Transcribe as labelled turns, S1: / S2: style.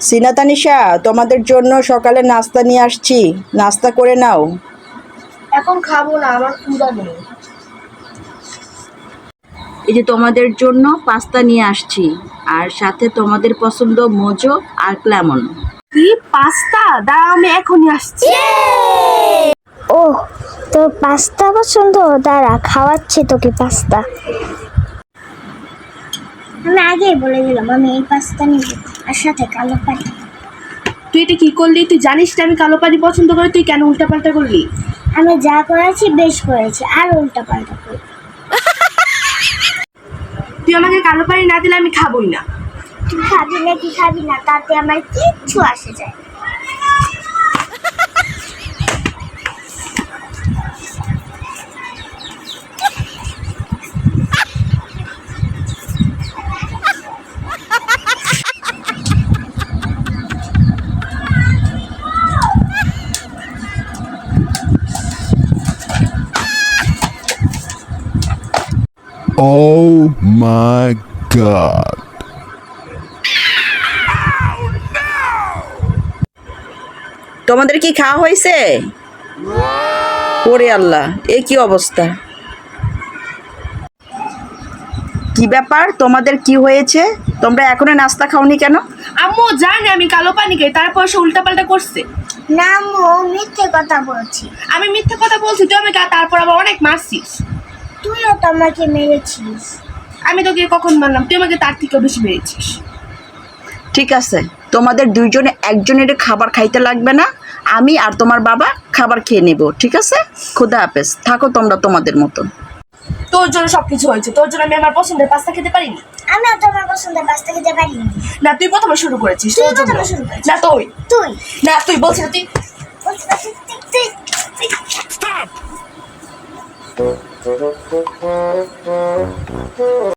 S1: সিনা তানিশা, তোমাদের জন্য সকালে নাস্তা নিয়ে আসছি, নাস্তা করে নাও।
S2: এখন খাবো না, আমার ক্ষুধা নেই।
S1: এই যে তোমাদের জন্য পাস্তা নিয়ে আসছি, আর সাথে তোমাদের পছন্দ মোজো আর ক্লেমন।
S2: কি পাস্তা? দাঁড়াও, আমি এখনই আসছি।
S3: ও, তোর পাস্তা পছন্দ? দাঁড়া, খাওয়াচ্ছি তোকে পাস্তা। আমি আগেই বলে দিলাম আমি এই পাস্তা নিব, আর সাথে কালো পানি।
S2: তুই এটা কি করলি? তুই জানিস না আমি কালো পানি পছন্দ করি, তুই কেন উল্টাপাল্টা করলি?
S3: আমি যা করেছি বেশ করেছি, আর উল্টা পাল্টা করি।
S2: তুই আমাকে কালো পানি না দিলে আমি খাবোই না।
S3: তুই খাবি না কি খাবি না তাতে আমার কিচ্ছু আসে যায় না।
S4: Oh my god.
S1: তোমাদের কি খাওয়া হয়েছে? ওরে আল্লাহ, এ কি অবস্থা! কি ব্যাপার, তোমাদের কি হয়েছে? তোমরা এখনো নাস্তা খাওনি কেন?
S2: আম্মু জানে আমি কালো পানি খাই, তারপর সে উল্টাপাল্টা করছে।
S3: না মো, মিথ্যে কথা বলছি।
S2: আমি মিথ্যে কথা বলছি, তুই আমাকে তারপর আবার অনেক মারছিস।
S3: তুইও তো আমাকে মেরেছিস।
S2: আমি তোকে কখন মারলাম? তুই আমাকে তার থেকেও বেশি মেরেছিস।
S1: ঠিক আছে, তোমাদের দুইজনে একজনের খাবার খাইতে লাগবে না, আমি আর তোমার বাবা খাবার খেয়ে নেব, ঠিক আছে? খোদা হাফেজ, থাকো তোমরা তোমাদের মতো।
S2: তোর জন্য সবকিছু হয়েছে, তোর জন্য আমি আমার পছন্দের পাস্তা খেতে পারিনি।
S3: আমিও তোমার পছন্দের পাস্তা খেতে পারিনি।
S2: না, তুই প্রথমে শুরু করেছিস।
S3: তুই
S2: তোর জন্য।
S3: প্রথমে শুরু করেছিস।
S2: না তুই।
S3: তুই
S2: না তুই বলছিস না, তুই।
S3: তুই